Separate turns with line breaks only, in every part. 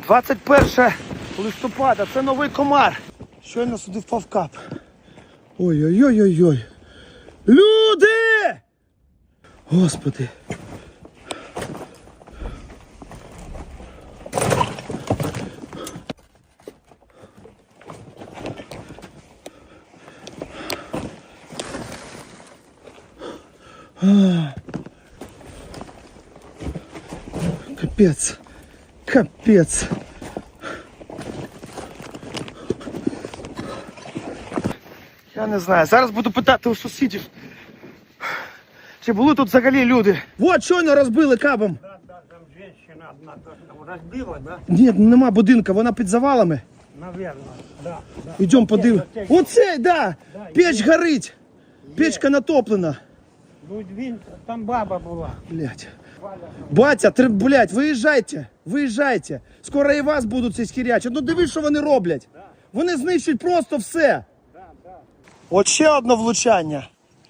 21 листопада, це новий комар. Щойно сюди впав кап. Ой-ой-ой-ой-ой. Люди! Господи. Капець. Капець. Я не знаю. Зараз буду питати у сусідів, чи були тут взагалі люди. Вот, щойно розбили кабом.
Да, там женщина одна розбила, да?
Ні, нема будинка, вона під завалами.
Наверно, да.
Йдемо подивимось. Оце, да! Печ горить. Печка натоплена.
Ну, він, там баба була.
Блять. Батя, блять, виїжджайте. Виїжджайте. Скоро і вас будуть ці хірячити. Ну дивись, що вони роблять. Вони знищують просто все. От ще одне влучання.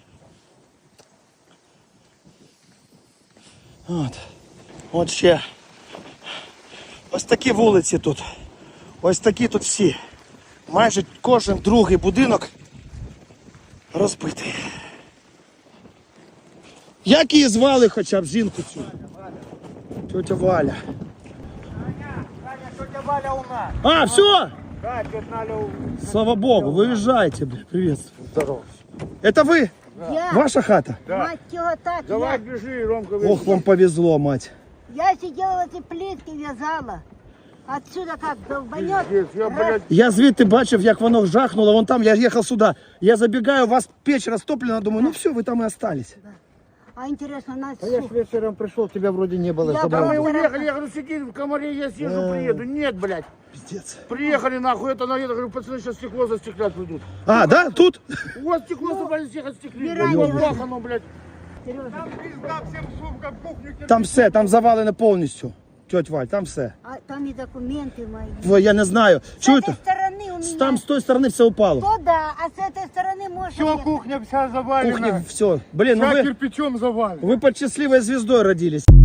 От ще. Ось такі вулиці тут. Ось такі тут всі. Майже кожен другий будинок розбитий. Як її звали хоча б жінку цю? Тетя Валя.
Тетя Валя у нас.
А, все?
Да, тетя Валя у нас.
Слава Богу, выезжайте, блин, приветствую.
Здорово.
Это вы?
Я,
Ваша хата?
мать его, так,
Давай, бежи, Ромка.
Ох, вам повезло, мать.
я сидела в этой плитке, вязала. Отсюда как долбанет.
Я, блядь,
Я звідти бачив, як воно жахнуло, вон там, я їхав сюди. Я забігаю, у вас печь розтоплена, думаю, ну все, ви там і остались.
А интересно, нас
а я ж вечером пришел, тебя вроде не было.
Я
Да мы
была-
уехали, я говорю, сиди в комаре, я съезжу, приеду. Нет, блядь.
Пиздец.
Приехали нахуй, это наеду, говорю, пацаны сейчас стекло застеклят придут.
А, да, тут?
У вас стекло забрали, всех отстеклили.
Мирай,
блядь,
Мирай.
бахано, блядь.
Сережа,
Там пизда всем сумкам, кухню.
Там все, там завалено повністю. Тетя Валь, там все.
а там и документы мои.
Ой, я не знаю.
С
Чуєте?
этой стороны у меня.
Там з тої сторони все упало.
То да, а с этой стороны можно...
Все, кухня вся завалена.
Кухня, все. Блин, ну
Вся
вы,
кирпичом завалена.
вы под счастливой звездой родились.